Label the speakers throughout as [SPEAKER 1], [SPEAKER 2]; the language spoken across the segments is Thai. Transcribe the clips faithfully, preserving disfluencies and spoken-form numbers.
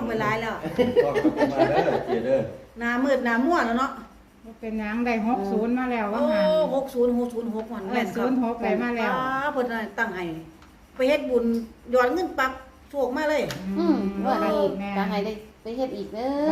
[SPEAKER 1] ไปหลายแล้ว
[SPEAKER 2] ก็มาเด้อเจเด้อ
[SPEAKER 1] หน้ามืดหน้ามั่วแล้วเนาะ
[SPEAKER 3] เป็นหยังได้หกศูนย์มาแล้วว่า
[SPEAKER 1] โอ้
[SPEAKER 3] หัน
[SPEAKER 1] หกศูนย์หกศูนย์หกมันแม่นครับ
[SPEAKER 3] ศูนย์หกไปมาแล้ว
[SPEAKER 1] เพิ่นตั้งให้ไปเฮ็ดบุญย้อนเงินปักโชคมาเลย
[SPEAKER 4] อืมว่าให้ตาให้ได้ไปเฮ็ดอีกเด้อ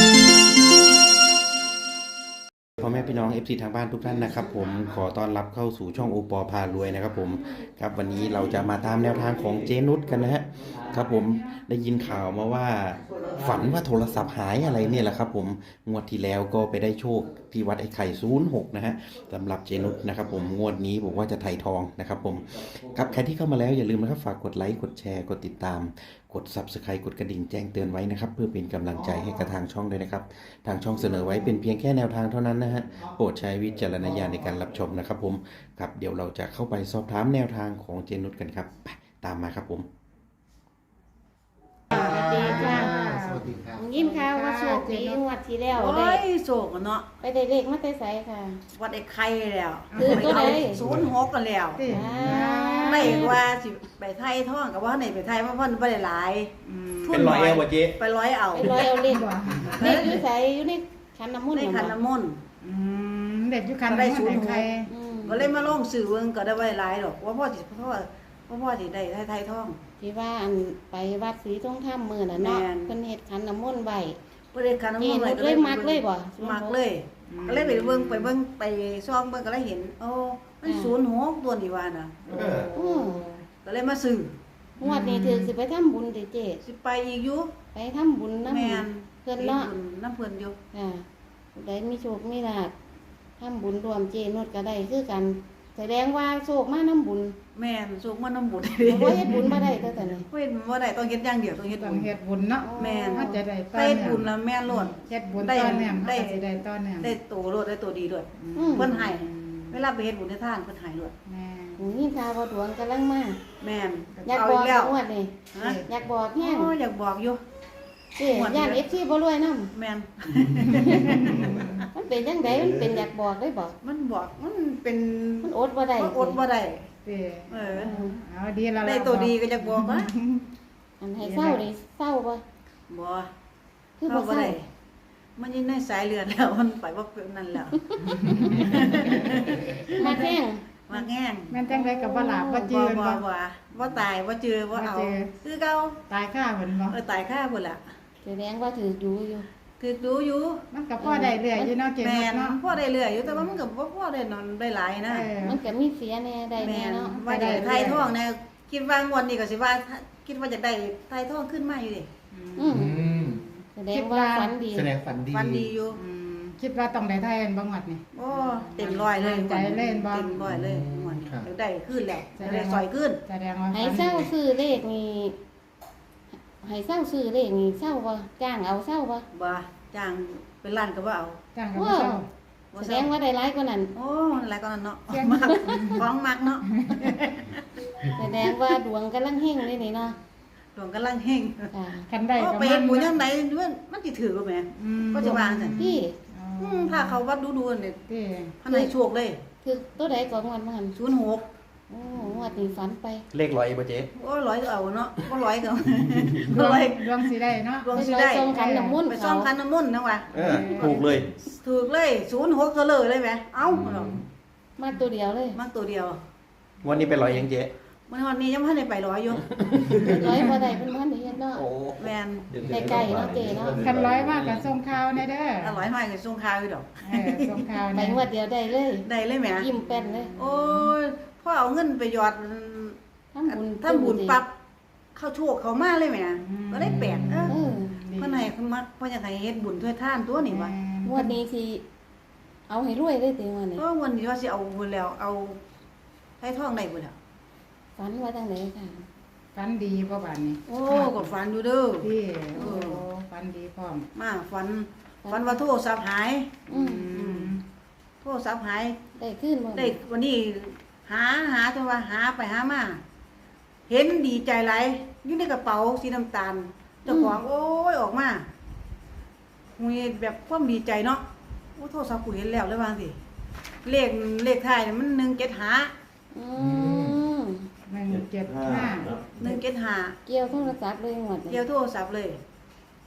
[SPEAKER 5] พ่อแม่พี่น้อง เอฟ ซี ทางบ้านทุกท่านนะครับผมขอต้อนรับเข้าสู่ช่องโอปอพารวยนะครับผมครับวันนี้เราจะมาตามแนวทางของเจนุชกันนะฮะครับผมได้ยินข่าวมาว่าฝันว่าโทรศัพท์หายอะไรเนี่ยแหละครับผมงวดที่แล้วก็ไปได้โชคที่วัดไอ้ไข่ศูนย์หกนะฮะสำหรับเจนุชนะครับผมงวดนี้บอกว่าจะไถ่ทองนะครับผมครับใครที่เข้ามาแล้วอย่าลืมนะครับฝากกดไลค์กดแชร์กดติดตามกด ซับสไครบ์ กดกระดิ่งแจ้งเตือนไว้นะครับเพื่อเป็นกำลังใจให้กับทางช่องด้วยนะครับทางช่องเสนอไว้เป็นเพียงแค่แนวทางเท่านั้นนะฮะโปรดใช้วิจารณญาณในการรับชมนะครับผมครับเดี๋ยวเราจะเข้าไปสอบถามแนวทางของเจนุชกันครับไปตามมาครับผม
[SPEAKER 4] สวัสดีค่ะ
[SPEAKER 2] สวัสดีครับ
[SPEAKER 4] ยิ้มค่ะว่าโชคดีงวดที่แล้ว
[SPEAKER 1] โอ้
[SPEAKER 4] ได้
[SPEAKER 1] ยโศกอะเนาะ
[SPEAKER 4] ไปได้เลขมาแต่ไสค่ะ
[SPEAKER 1] วัดไอ้ไข่แล้ว
[SPEAKER 4] คือตัวใด
[SPEAKER 1] ศูนย์หกกันแล้ว
[SPEAKER 3] ติ
[SPEAKER 1] ไม่ว่าสิไปไทยท่องกับว่าไหนไปไทยเพราะเพิ่นบ่ได้หลายทุ
[SPEAKER 2] เป็นร้อยเอวบ่เจ๊
[SPEAKER 1] ไปร้อยเอา
[SPEAKER 4] ไปร้อยเอาเลขเลขอยู่ไสอยู่ในขันน้ำมนต์
[SPEAKER 1] ในขันน้ำมนต์
[SPEAKER 3] อืมเด็กอยู่คัน
[SPEAKER 1] ก็ได้ศูนย์หก
[SPEAKER 3] ใคร
[SPEAKER 4] อืม
[SPEAKER 1] ก็เลยมาลงสื่อเบิ่งก็ได้บ่ได้หลายดอกว่าพ่อสิเพราะว่าเพราะพ่อสิได้ไทยไทยท่อง
[SPEAKER 4] ที่ว่าอันไปวัดศรีทงธรรมมื้อน่ะเนาะ
[SPEAKER 1] แม่น
[SPEAKER 4] เพิ่นเฮ็ดขันน้ำมนต์ไว้
[SPEAKER 1] เพิ่นได้ขันน้ำมนต์
[SPEAKER 4] เจนุชเลยมักเลยบ่
[SPEAKER 1] มักเลยก็เลยไปเบิ่งไปเบิ่งไปซ่องเบิ่งก็เลยเห็นโอ้มันศูนย์หกตัวนี่ว่าน่ะ
[SPEAKER 2] เออ
[SPEAKER 4] อือ
[SPEAKER 1] ก็เลยมาซื้อง
[SPEAKER 4] วดนี้ถือสิไปทำบุญติเจ
[SPEAKER 1] สิไปอีกอยู่
[SPEAKER 4] ไปทำบุญนำ
[SPEAKER 1] แม่น
[SPEAKER 4] เพิ่นเนาะ
[SPEAKER 1] ไปบุญน้ำเพิ่นอยู่
[SPEAKER 4] ค่ะผู้ใดมีโชคมีลาภทำบุญรวมเจนุชก็ได้คือกัน แสดงว่าโชคมาน้ำบุญ
[SPEAKER 1] แม่นสุกมาน้ำบุญ
[SPEAKER 4] บ่เฮ็ดบุญบ่ได้เท่าแต่นี้
[SPEAKER 1] เฮ็ดบ่ได้ต้องเฮ็ดอย่างเดียวต้องเฮ็ด
[SPEAKER 3] ต้อ
[SPEAKER 1] บุ
[SPEAKER 3] ง
[SPEAKER 1] ญ
[SPEAKER 3] เฮ็ดบุญเนาะ
[SPEAKER 1] แม่น
[SPEAKER 3] มันจะได้ต้อ
[SPEAKER 1] เฮ็ด
[SPEAKER 3] เนี่ย
[SPEAKER 1] บุญแล้วแม่นโลด
[SPEAKER 3] เฮ็ดบุญ
[SPEAKER 1] ได้
[SPEAKER 3] ต้อนเนี่ยมัน
[SPEAKER 1] ได้
[SPEAKER 3] ก็สิได้ต้อนเนี่ย
[SPEAKER 1] ได้โตโลดได้โตดีด้วย
[SPEAKER 4] อืม
[SPEAKER 1] เพิ่นให้เวลาไปเฮ็ดบุญในทานเพิ่นให้โลด
[SPEAKER 3] แม่
[SPEAKER 4] หูนี่ข่าวว่าดวงกำลังมา
[SPEAKER 1] แม่น
[SPEAKER 4] อยาก
[SPEAKER 1] เอา
[SPEAKER 4] บ
[SPEAKER 1] อี
[SPEAKER 4] อก
[SPEAKER 1] กแล้ว
[SPEAKER 4] งวดนี่
[SPEAKER 1] ฮะ
[SPEAKER 4] อยากบอกแฮง
[SPEAKER 1] โอ้อยากบอกอยู่
[SPEAKER 4] สิ
[SPEAKER 1] งวดนี้
[SPEAKER 4] อยาก เอฟ ซี บ่รวยนำ
[SPEAKER 1] แม่น
[SPEAKER 4] มันเป็นจังไดมันเป็นอยากบอกได้บ่
[SPEAKER 1] มันบอกมันเป็น
[SPEAKER 4] มันอดบ่ได้
[SPEAKER 1] มันอดบ่ได้
[SPEAKER 3] ติ
[SPEAKER 1] เออ
[SPEAKER 3] เอาดีแล้วล่ะ
[SPEAKER 1] ได้ตัวดีก็อยากบอกนะ
[SPEAKER 4] อันให้เศร้านี่เศร้าบ่
[SPEAKER 1] บ่
[SPEAKER 4] คือ
[SPEAKER 1] เอา
[SPEAKER 4] บ่
[SPEAKER 1] บ่
[SPEAKER 4] เศร้า
[SPEAKER 1] ได้มันอยู่ในสายเลือดแล้วมันไปบ่เป็นนั่นแล้ว
[SPEAKER 4] มาแห้ง
[SPEAKER 1] มาแง่ง
[SPEAKER 3] แม่นจังได๋ก็บ่หลับบ่จื
[SPEAKER 1] บ่
[SPEAKER 3] น
[SPEAKER 1] บ่
[SPEAKER 3] บ่
[SPEAKER 1] บ่บ่ตายบ่เจือบ่เอา
[SPEAKER 3] บ่เจือ
[SPEAKER 1] คือเก่า
[SPEAKER 3] ตายค่าเพิ่นบ่
[SPEAKER 1] เออตายค่าพุ่นล่ะ
[SPEAKER 4] แสดงว่าถืออยู่อยู่
[SPEAKER 1] คือดูอยู่
[SPEAKER 3] มันก็พอได้เรื่อยอยู่เนาะเก่ง
[SPEAKER 1] แม่น
[SPEAKER 3] เนาะ
[SPEAKER 1] พ่อได้เรื่อยอยู่แต่ว่ามันก็บ่พอได้นอนได้หลายนะ
[SPEAKER 3] เออ
[SPEAKER 4] มันก็มีเสียแน่ได้
[SPEAKER 1] แม่
[SPEAKER 4] แน่
[SPEAKER 1] น
[SPEAKER 4] เนาะ
[SPEAKER 1] ว่าได้ไทยท่องแน่คิดว่างวดนี้ก็สิว่าคิดว่าจะได้ไทยท่องขึ้นมาอยู่ดิ
[SPEAKER 4] อืม
[SPEAKER 2] อืม
[SPEAKER 4] แสดงว่าฝันดี
[SPEAKER 2] แสดงฝันดี
[SPEAKER 1] ฟันดีอยู่
[SPEAKER 3] อืมคิดว่าต้องได้ไทยอันบ่งวดนี่
[SPEAKER 1] โอ้เต็มร้อยเลย
[SPEAKER 3] ใจเล่นบ่
[SPEAKER 1] เต็มร้อยเลยงวดนี้เดี๋ยวได้ขึ้นแล้วเดี๋ยวได้ซอยขึ้น
[SPEAKER 3] แสดงว่า
[SPEAKER 4] ให้เศร้าซื้อเลขนี่ให้เศร้าซื้อเลขนี่เศร้าบ่จ้างเอาเศร้าบ่
[SPEAKER 1] บ่จ้างเป็นล้านก็บ่เอา
[SPEAKER 3] จ้างกับบ่เช้า
[SPEAKER 1] บ่
[SPEAKER 4] แสด
[SPEAKER 1] เศร้าง
[SPEAKER 4] ว่าได้หลายกว่านั้น
[SPEAKER 1] โอ้อะไรก็นั่นเนาะ
[SPEAKER 3] เสียง
[SPEAKER 1] มักของมักเนาะ
[SPEAKER 4] แสดงว่าดวงกำลังเฮงเลยนี่เนาะ
[SPEAKER 1] ดวงกำลังเฮง
[SPEAKER 4] ค่ะ
[SPEAKER 3] คันได้
[SPEAKER 1] โอ้
[SPEAKER 3] ก็
[SPEAKER 1] ไปเฮ็ดบุญจังไดมันมันสิถือบ่แม่
[SPEAKER 3] อืม
[SPEAKER 1] ก็จะวางซั่น
[SPEAKER 4] พี่
[SPEAKER 1] อืมถ้าเขาวัดดูๆนี่
[SPEAKER 3] ที่
[SPEAKER 1] พันให้โชคเลย
[SPEAKER 4] คือตัวใดก่อนงวดมาหัน
[SPEAKER 1] ศูนย์หก
[SPEAKER 4] โอ้งวดนี้ฝันไป
[SPEAKER 2] เลขร้อยเอวบ่เจ๊
[SPEAKER 1] โอ้ร้อยก็เอาเนาะบ่ร้อยก็
[SPEAKER 3] ด
[SPEAKER 1] บ่
[SPEAKER 3] วง
[SPEAKER 1] ร้อย
[SPEAKER 3] ดวงสิได้เนาะ
[SPEAKER 1] ดวง
[SPEAKER 4] ไป
[SPEAKER 1] สิ
[SPEAKER 4] ลอย
[SPEAKER 1] ได้
[SPEAKER 4] ทรงขันน้ำมนต์
[SPEAKER 1] ไป
[SPEAKER 4] เขา
[SPEAKER 1] ซ่อมคันน้ำมนต์นะว่ะ
[SPEAKER 2] เออถูกเลย
[SPEAKER 1] ถูกเลยศูนย์หกก็เลยเลยแหมเอ้า
[SPEAKER 4] มาตัวเดียวเลย
[SPEAKER 1] มักตัวเดียว
[SPEAKER 2] วันนี้เป็นร้อยยังเจ๊
[SPEAKER 1] มันวันนี้ยังบ่ทันได้ไปร้อยอยู่
[SPEAKER 4] ร้อยบ่ได้เป็นพันได้เฮ็ดเนาะ
[SPEAKER 2] โอ้
[SPEAKER 1] แม่น
[SPEAKER 4] ไกลๆเนาะเจ๊เนาะ
[SPEAKER 3] คันร้อยมากกับส่งข่าวแน่เด้อ
[SPEAKER 1] อร่อยมากเลยส่งข่าวอยู่ดอก
[SPEAKER 3] เออส่งข่าว
[SPEAKER 4] ไป
[SPEAKER 3] แน่
[SPEAKER 4] งวดเดียวได้เลย
[SPEAKER 1] ได้เลยแหม
[SPEAKER 4] ยิ้มแป้นเลย
[SPEAKER 1] โอ้ยพ่อเอาเงินไปหยอด
[SPEAKER 4] ทำบุญ
[SPEAKER 1] ทำบุญปั๊บเข้าโชคเขามาเลยแหมก็ได้แปลกเออ
[SPEAKER 4] เออ
[SPEAKER 1] เพิ่นให้เพิ่นมักเพิ่นอยากให้เฮ็ดบุญช่วยทานตัวนี่ว่ะ
[SPEAKER 4] งวดนี้สิเอาให้รวยได้ติงวดนี้
[SPEAKER 1] ก็วันนี้ว่าสิเอาบุญแล้วเอาไถ่ทองได้บุญแล้ว
[SPEAKER 4] ฝันว่าจังไดค่ะ
[SPEAKER 3] ฝันดีบ่บาดนี้
[SPEAKER 1] โอ้กดฝันอยู่เด้อ
[SPEAKER 3] ที่โอ้ฝันดีพร้อม
[SPEAKER 1] มาฝันฝันว่าโทรศัพท์หาย
[SPEAKER 4] อืม
[SPEAKER 3] อืม
[SPEAKER 1] โทรศัพท์หาย
[SPEAKER 4] ได้ขึ้นบ่
[SPEAKER 1] ได้วันนี้หาหาจนว่าหาไปหามาเห็นดีใจหลายอยู่ในกระเป๋าสีน้ำตาลเจ้าของโอ้ยออกมามีแบบความดีใจเนาะโอ้โทรศัพท์กูเห็นแล้วเลยว่าสิเลขเลขท้ายมันหนึ่งเจ็ดห้า
[SPEAKER 4] อืม
[SPEAKER 3] หนึ่งเจ็ดห้า
[SPEAKER 1] หนึ่งเจ็ดห้า
[SPEAKER 4] เกี่ยวโทรศัพท์เลยงวดนี้
[SPEAKER 1] เกี่ยวโทรศัพท์เลย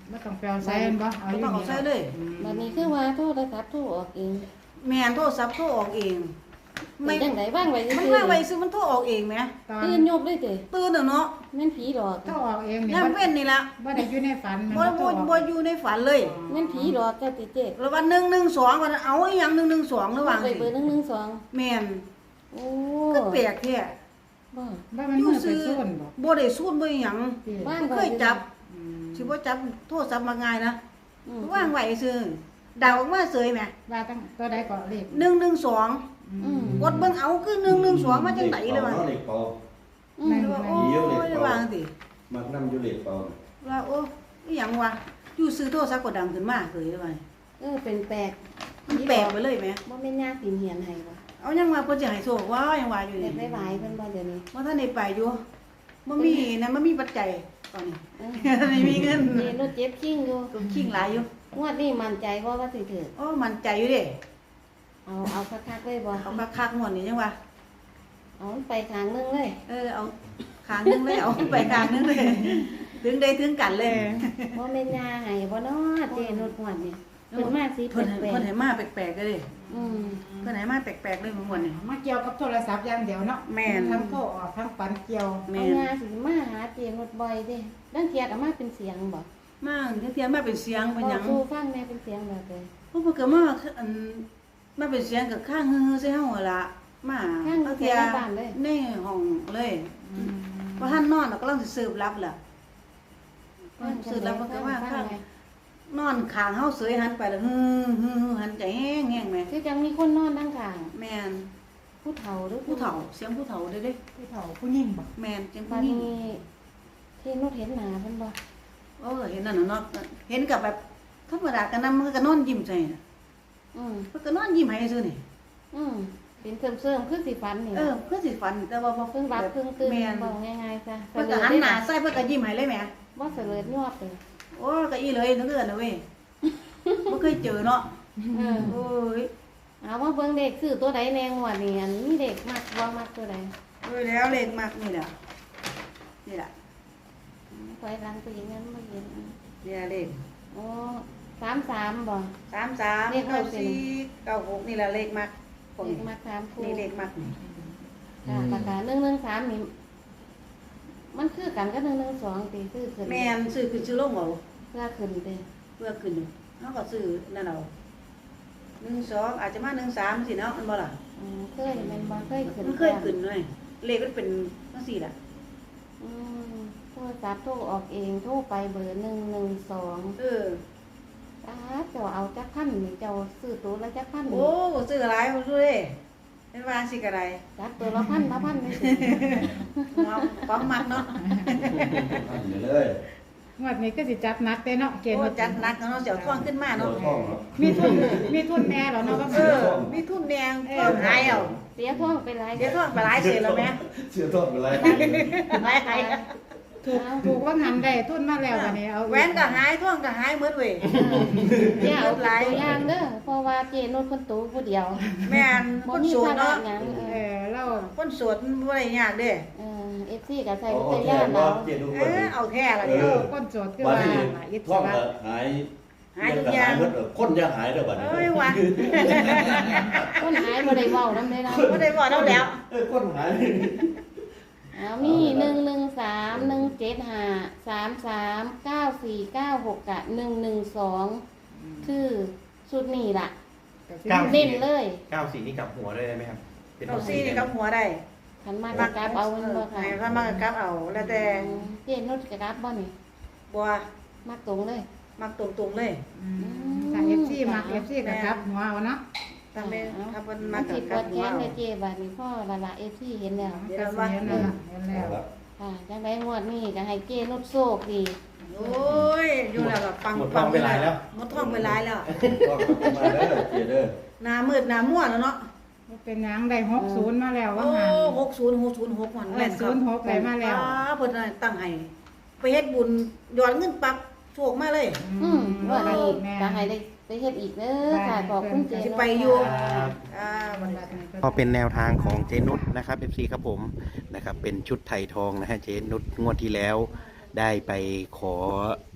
[SPEAKER 3] บ่ต้องไปเอาใส่แม่นบ่เอา
[SPEAKER 1] บ่
[SPEAKER 3] อยู่
[SPEAKER 1] ต้องเอา
[SPEAKER 3] นี่
[SPEAKER 1] ใส่เลย
[SPEAKER 3] อืม
[SPEAKER 4] บัดนี้คือว่าโทรศัพท์โทรออกเอง
[SPEAKER 1] แม่นโทรศัพท์โทรออกเอง
[SPEAKER 4] ไม่
[SPEAKER 1] ไม่
[SPEAKER 4] จังไดว่างไว้
[SPEAKER 1] มัน
[SPEAKER 4] ซื่อ
[SPEAKER 1] ว่างไว้ซื้อมันโทรออกเองแหม
[SPEAKER 3] ตอน
[SPEAKER 4] ตื่นยกเลยเด้
[SPEAKER 1] ตื่นแล้วเนาะ
[SPEAKER 4] แม่นผีหลอก
[SPEAKER 3] ถ้าออกเองนี่
[SPEAKER 1] ยาม
[SPEAKER 3] บ่
[SPEAKER 1] เว้นนี่ล่ะ
[SPEAKER 3] บ่ได้อยู่ในฝันแม่น
[SPEAKER 1] บ่
[SPEAKER 3] บ่
[SPEAKER 1] บ่
[SPEAKER 3] ต้องอ
[SPEAKER 1] บ่
[SPEAKER 3] อก
[SPEAKER 1] อยู่ในฝันเลย
[SPEAKER 4] แม่นผีหลอกเจ้าติเจ๊
[SPEAKER 1] แล้ววันหนึ่งหนึ่งสองวันนั้นเอาอีหยังหนึ่งหนึ่งสองระหว่าง
[SPEAKER 4] ไป
[SPEAKER 1] สิ
[SPEAKER 4] เบอร์หนึ่งหนึ่งสอง
[SPEAKER 1] แม่น
[SPEAKER 4] โอ้
[SPEAKER 1] ก็แปลกแท้
[SPEAKER 4] บ่
[SPEAKER 3] บ่มันมือไปซ่อนบ่
[SPEAKER 1] บ่ได้สูดบ่อีหยัง
[SPEAKER 3] ที่
[SPEAKER 4] บ้าน
[SPEAKER 1] บ่เคยจับ
[SPEAKER 3] อืม
[SPEAKER 1] สิบ่จับโทรศัพท์มาง่ายนะ
[SPEAKER 4] อืม
[SPEAKER 1] ว่างไว้ซื่อเดาออกมาเสยแหม
[SPEAKER 3] ว่าตั้งตัวใดก็เลข
[SPEAKER 1] หนึ่งหนึ่งสอง
[SPEAKER 4] อืม
[SPEAKER 1] กดเบิ่งเอาคือหนึ่งหนึ่งสองมาจังไดเลยว่า
[SPEAKER 6] เหล็กเป่า
[SPEAKER 4] อืม
[SPEAKER 1] ว่าโอ้ยระหว่างสิ
[SPEAKER 6] มักน้ำอยู่เหล็กเป่า
[SPEAKER 1] ว่าโอ้อีหยังวะอยู่ซื้อโทรศัพท์ก็ดังขึ้นมาเสยเลยว่า
[SPEAKER 4] เออเป็นแปลก
[SPEAKER 1] มันแปลกไปเลยแหม
[SPEAKER 4] บ่แม่นยาสินเหียนให้บ่
[SPEAKER 1] เอายังว่าเพิ่นสิให้โชคว่ายังว่าอยู่
[SPEAKER 4] เด็
[SPEAKER 1] นี่
[SPEAKER 4] กหลายๆเพิ่นบ่เดี๋ยวนี้
[SPEAKER 1] ว่าท่านได้ไปอยู่บ่มีนะมันมีปัจจัยตอนนี้
[SPEAKER 4] เออ
[SPEAKER 1] ไม่มีเงิน
[SPEAKER 4] เจนุชเจ็บคิงอยู่
[SPEAKER 1] ก็คิงหลายอยู่
[SPEAKER 4] งวดนี้มั่นใจบ่ว่าสิถูก
[SPEAKER 1] โอ้มันใจอยู่เด้
[SPEAKER 4] เอาเอาคักๆเลยบ่
[SPEAKER 1] เอาคักๆหมดนี่จังว่า
[SPEAKER 4] เอามันไปทางนึงเลย
[SPEAKER 1] เออเอาคางนึงเลยเอาไปคางนึงเลย ถึงได้ถึงกันเลย
[SPEAKER 4] บ่แม่นยาให้บ่เนาะเจนุชงวดนี้เพิ่นมาสิ
[SPEAKER 1] เพิ่นให้
[SPEAKER 4] แปล
[SPEAKER 1] เพิ่
[SPEAKER 4] ก
[SPEAKER 1] นให้มาแปลกๆเลย
[SPEAKER 4] ๆอืม
[SPEAKER 1] เพิ่นให้มาแปลกๆเลยหมดนี่
[SPEAKER 3] มาเกี่ยวกับโทรศัพท์อย่างเดียวเนาะ
[SPEAKER 1] แม่น
[SPEAKER 3] ทั้งโทรออกทั้งฝันเกี่ยว
[SPEAKER 1] แม่
[SPEAKER 4] เอา
[SPEAKER 1] น
[SPEAKER 4] ยาสิมาหาเจนุชบ่อยเด้ดังเทียดเอามาเป็นเสียงบ่
[SPEAKER 1] มาเทียมมาเป็นเสียงเป็นหยัง
[SPEAKER 4] สู้ฟังแม่เป็นเสียงแบบใด
[SPEAKER 1] พวกเพิ่นก็มาอันมาเป็นเสียงกับข้างฮือๆใส่เฮาหั่นล่ะมา
[SPEAKER 4] ข้าง
[SPEAKER 1] เอา
[SPEAKER 4] เสี
[SPEAKER 1] เที
[SPEAKER 4] ย
[SPEAKER 1] ย
[SPEAKER 4] งบ้านเลย
[SPEAKER 1] ในห้องเลย
[SPEAKER 3] อืม
[SPEAKER 1] ว่าท่านนอนน่ะกำลังสิสืบรับล่ะสืบรับมันก็ว่าข้างนอนข้างเฮาเสยหันไปแล้วฮือๆหันใจแห้งๆแม่
[SPEAKER 4] คือจังมีคนนอนด้านข้าง
[SPEAKER 1] แม่น
[SPEAKER 4] ผู้เฒ่าหรือ
[SPEAKER 1] ผู้เฒ่าเสียงผู้เฒ่าเด้เด้
[SPEAKER 3] ผู้เฒ่าผู้หญิงบ่
[SPEAKER 1] แม่นเสียง
[SPEAKER 4] บั
[SPEAKER 1] ผู้
[SPEAKER 4] ด
[SPEAKER 1] หญิง
[SPEAKER 4] นี้ที่นุชเห็นหน้าเพิ่นบ่
[SPEAKER 1] เออเห็นนั่นน่ะเนาะเห็นกับแบบธรรมดากันนำมันก็นอนยิ้มใส่น่ะ
[SPEAKER 4] อืม
[SPEAKER 1] เพิ่นก็นอนยิ้มให้ซื่อนี่
[SPEAKER 4] อืมเป็นเสริมๆคือสิฝันนี่
[SPEAKER 1] เออเพิ่นสิฝันแต่ว่าบ่
[SPEAKER 4] เพิ่งรับเพิ่งตื่น
[SPEAKER 1] แม่น
[SPEAKER 4] บอกง่ายๆซะ
[SPEAKER 1] เพิ่นก็หันหน้าใส่เพิ่นก็ยิ้มให้เลยแหม
[SPEAKER 4] บ่เสลิดยอดเลย
[SPEAKER 1] โอ้ก็อีเลยนึกเดือนนะเว้ยบ่เคยเจอเนาะ
[SPEAKER 4] เออ
[SPEAKER 1] โอ้ย
[SPEAKER 4] เอาว่าเบิ่งเด็กซื้อตัวใดแน่งวดนี่อันมีเด็กมักบ่มักตัวใด
[SPEAKER 1] โอ้ยแล้วเลขมากนี่แหละนี่แหละ
[SPEAKER 4] ถอยหลังไปอีกนั้นบ่เห็น
[SPEAKER 1] นี่แหละเลข
[SPEAKER 4] โอ้สามสามบ่
[SPEAKER 1] สามสาม
[SPEAKER 4] เลข
[SPEAKER 1] เก้า
[SPEAKER 4] เก้าสี่
[SPEAKER 1] สี่เก้าหกนี่แหละเลขมากพวก
[SPEAKER 4] เด็ก
[SPEAKER 1] นี้
[SPEAKER 4] มักสามคู่
[SPEAKER 1] นี่เลขมากนี่
[SPEAKER 4] ค่ะราคาหนึ่งหนึ่งสามนี่มันคือกันกับหนึ่งหนึ่งสองตีซื้อขึ้น
[SPEAKER 1] แม่นซื้อขึ้นซื้อลงเอา
[SPEAKER 4] เพื่อขึ้นเด้
[SPEAKER 1] เพื่อขึ้นเฮาก็ซื้อนั่นเอาหนึ่งสองอาจจะมาหนึ่งสามสิเนาะมันบ่ล่ะ
[SPEAKER 4] อืมเคยแม่นบ่เคยขึ้น
[SPEAKER 1] มันเคยขึ้นเลยเลขมันเป็นจังซี่ล่ะ
[SPEAKER 4] อืมโทรศัพท์โทรออกเองโทรไปเบอร์หนึ่งหนึ่งสอง
[SPEAKER 1] เออ
[SPEAKER 4] อ้าเจ้าเอาจักพันนี่เจ้าซื้อตัวละจักพัน
[SPEAKER 1] โอ้
[SPEAKER 4] นี่
[SPEAKER 1] ซื้อหลายบ่ซื้อเด้เป็นว่าสิก็ได้
[SPEAKER 4] จักตัวละพันละพันไม่สิ
[SPEAKER 1] เนาะความมักเนาะ
[SPEAKER 6] เดี๋ยวเลย
[SPEAKER 3] งวดนี้ก็สิจัดหนักเด้เนาะเกณฑ์
[SPEAKER 1] โอ้
[SPEAKER 3] ว่า
[SPEAKER 1] จัดหนักเนาะเสียวท่วงขึ้นมา
[SPEAKER 6] ตัว
[SPEAKER 1] เนาะ
[SPEAKER 6] ท่องเนาะ
[SPEAKER 3] มีทุนมีทุนแน่แล้วเนาะว่า
[SPEAKER 1] เออ มีทุนแดงท่วงหายเอา
[SPEAKER 4] เสียท้องไปหลาย
[SPEAKER 1] เดี๋ยวท่วงไปหลายเสียแล้วแม่
[SPEAKER 6] เชื่อท่องเป็นไร
[SPEAKER 1] หายหาย
[SPEAKER 3] ถูกถูกว่าหันได้ทุนมาแล้วบัดนี้เอา
[SPEAKER 1] แหวนก็หายท่วงก็หายหมดเว้ย
[SPEAKER 4] อย่าเอาเป็นตัวอย่างเด้อเพราะว่าเจนนคนตูผู้เดียว
[SPEAKER 1] แม่น
[SPEAKER 4] บ่
[SPEAKER 1] คน
[SPEAKER 4] มี
[SPEAKER 1] โสด
[SPEAKER 4] ภาระ
[SPEAKER 1] เนาะ
[SPEAKER 4] หยังเอ
[SPEAKER 3] เอ
[SPEAKER 4] อ
[SPEAKER 3] อเรา
[SPEAKER 1] คนโสดมันบ่ได้ยากเด้
[SPEAKER 4] เออ เอฟซีก็ใส่
[SPEAKER 6] เอา
[SPEAKER 4] วิท
[SPEAKER 6] แค่
[SPEAKER 4] ยา
[SPEAKER 6] ว่า
[SPEAKER 4] เรา
[SPEAKER 6] เจ็ดทุก
[SPEAKER 1] เอ
[SPEAKER 6] คน
[SPEAKER 1] อเอาแท้ละ
[SPEAKER 6] เอ
[SPEAKER 1] เด้
[SPEAKER 6] อ
[SPEAKER 1] อ
[SPEAKER 3] คนโจทย์คือ
[SPEAKER 6] วัน
[SPEAKER 3] ว่า
[SPEAKER 6] นี้
[SPEAKER 3] น่ะอิส
[SPEAKER 6] ท่อง
[SPEAKER 3] ระ
[SPEAKER 6] ก็หาย
[SPEAKER 1] หายทุก
[SPEAKER 6] ก็
[SPEAKER 1] อย่า
[SPEAKER 6] หาง ยหมดเออคนจะหายเด้อบัดนี้
[SPEAKER 1] เอ้ยว่ะ
[SPEAKER 4] คนหายบ่ได้เว้านำได้เรา
[SPEAKER 1] บ่ได้บอกเราแล้ว
[SPEAKER 6] เออคนหาย
[SPEAKER 4] เอามีหนึ่งหนึ่งสามหนึ่งเจ็ดห้าสามสามเก้าสี่เก้าหกกะหนึ่งหนึ่งสองคือชุดนี้ล่ะ
[SPEAKER 5] เก้า
[SPEAKER 4] เน้นเลย
[SPEAKER 5] เก้าสี่นี่กลับหัวด้วยได้ไหมครับเป็น
[SPEAKER 1] เอาซี่นี่กับหัวได้
[SPEAKER 4] ขันมากกกราบเอามันบ่ค่ะ
[SPEAKER 1] ให้พามากกับเอาแล้วแต่
[SPEAKER 4] อืมเจนนุชกกราบบ่นี่
[SPEAKER 1] บ่
[SPEAKER 4] มากตรงเลย
[SPEAKER 1] มักตรงๆเลย
[SPEAKER 3] อืมถ้า เอฟ ซี มัก เอฟ ซี ก็ครับหัวเอาเนาะ
[SPEAKER 1] ถ้าแม่ถ้าเพิ่น
[SPEAKER 4] มั
[SPEAKER 1] มาน กั
[SPEAKER 4] สิ
[SPEAKER 1] บ
[SPEAKER 4] ป
[SPEAKER 1] กั
[SPEAKER 4] ว
[SPEAKER 1] บ
[SPEAKER 4] ด
[SPEAKER 1] หั
[SPEAKER 4] แข
[SPEAKER 1] วน เอา
[SPEAKER 4] เลยเจบัดนี้พ่อละละเอฟซีเห็นแล้ว
[SPEAKER 3] มันก็สิเห็นแล้วล่ะเห็นแล้ว
[SPEAKER 4] ค่ะจังไดงวดนี้ก็ให้เจนุชโชคดี
[SPEAKER 1] โอ้ยอยู่แล้วก็ปัง
[SPEAKER 5] หมดทองไปหลายแล้ว
[SPEAKER 1] หมดทองไปหลายแล้ว
[SPEAKER 6] ท่องก็มาเด้อเจ็ดเด้อ
[SPEAKER 1] หน้ามืดหน้ามั่วแล้วเนาะ
[SPEAKER 3] บ่เป็นหยังได้หกศูนย์มาแล้วว่า
[SPEAKER 1] โอ้
[SPEAKER 3] หัน
[SPEAKER 1] หกศูนย์หกศูนย์หกวัน
[SPEAKER 3] เออ
[SPEAKER 1] แม่นครับ
[SPEAKER 3] ศูนย์หกไปมาแล้ว
[SPEAKER 1] อ่เพิ่นตั้งให้ไปเฮ็ดบุญย้อนเงินปั๊บโชคมาเลย
[SPEAKER 4] อืมว่านี้
[SPEAKER 3] แม่
[SPEAKER 4] ก็ให้ได้ไปเฮ็ดอีกเด้อค่ะขอบคุณเจ
[SPEAKER 1] สิ
[SPEAKER 4] นุช
[SPEAKER 1] ไปอยู่
[SPEAKER 4] ค่ะ
[SPEAKER 1] อ่าบัดนี้
[SPEAKER 5] ก็เป็นแนวทางของเจนุชนะครับ เอฟ ซี ครับผมนะครับเป็นชุดไถ่ทองนะฮะเจนุชงวดที่แล้วได้ไปขอ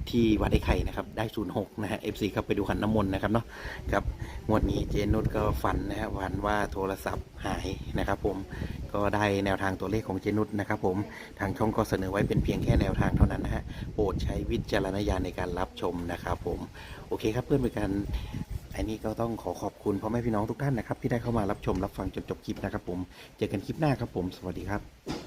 [SPEAKER 5] ที่วัดไอ้ไข่นะครับได้ศูนย์หกนะฮะ เอฟ ซี ครับไปดูขันน้ำมนต์นะครับเนาะครับงวดนี้เจนุชก็ฝันนะฮะฝันว่าโทรศัพท์หายนะครับผมก็ได้แนวทางตัวเลขของเจนุชนะครับผมทางช่องก็เสนอไว้เป็นเพียงแค่แนวทางเท่านั้นนะฮะโปรดใช้วิจารณญาณในการรับชมนะครับผมโอเคครับเพื่อนเป็นการอันนี้ก็ต้องขอขอบคุณพ่อแม่พี่น้องทุกท่านนะครับที่ได้เข้ามารับชมรับฟังจนจบคลิปนะครับผมเจอกันคลิปหน้าครับผมสวัสดีครับ